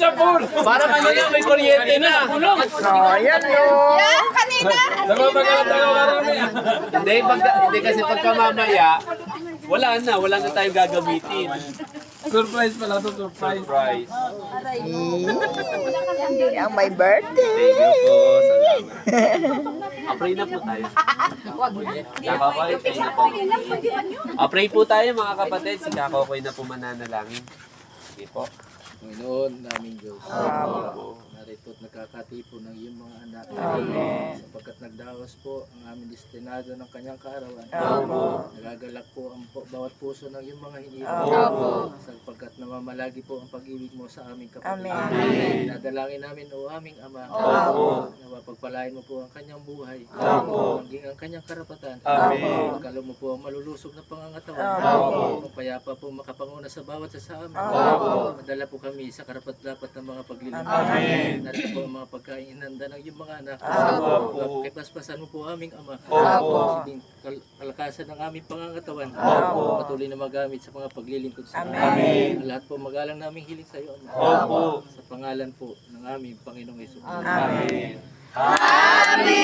sa pool. Para kanina may kuryente na. Ayan o. Yan, kanina. Napapagalat ako marami. Hindi kasi pagka mamaya, wala na tayong gagamitin. Surprise pala to, surprise. Surprise. Ang my birthday. Thank you po. Salamat. Pray na po tayo. Kakakoy, pray na po. Pray po tayo mga kapatid. Si Kakakoy na po mananalangin. Sige po. Panginoon, naming Diyos. Narito at nagkakatipo ng iyong mga anak. Sapagkat nagdawas po ang aming destinado ng kanyang kaarawan. Nagagalak po ang bawat puso ng iyong mga hinirang. Sapagkat namamalagi po ang pag-ibig mo sa aming kapatid. Nadalangin namin o aming Ama. Na pagpalain mo po ang kanyang buhay. Maging ang kanyang karapatan. Pagkalo mo po ang malulusog na pangangatawan. Pagpayapa po makapanguna sa bawat sa amin. Madala po kami sa karapat-dapat ng mga paglilingkod. Narito po ang mga pagkain inanda ng iyong mga anak. Kipaspasan mo po aming Ama. Sabing kalakasan ng aming pangangatawan. Patuloy na magamit sa mga paglilingkod sa amin. Lahat po magalang naming hiling sa iyo, Ama. Sa pangalan po ng aming Panginoong Hesus. Amen. Happy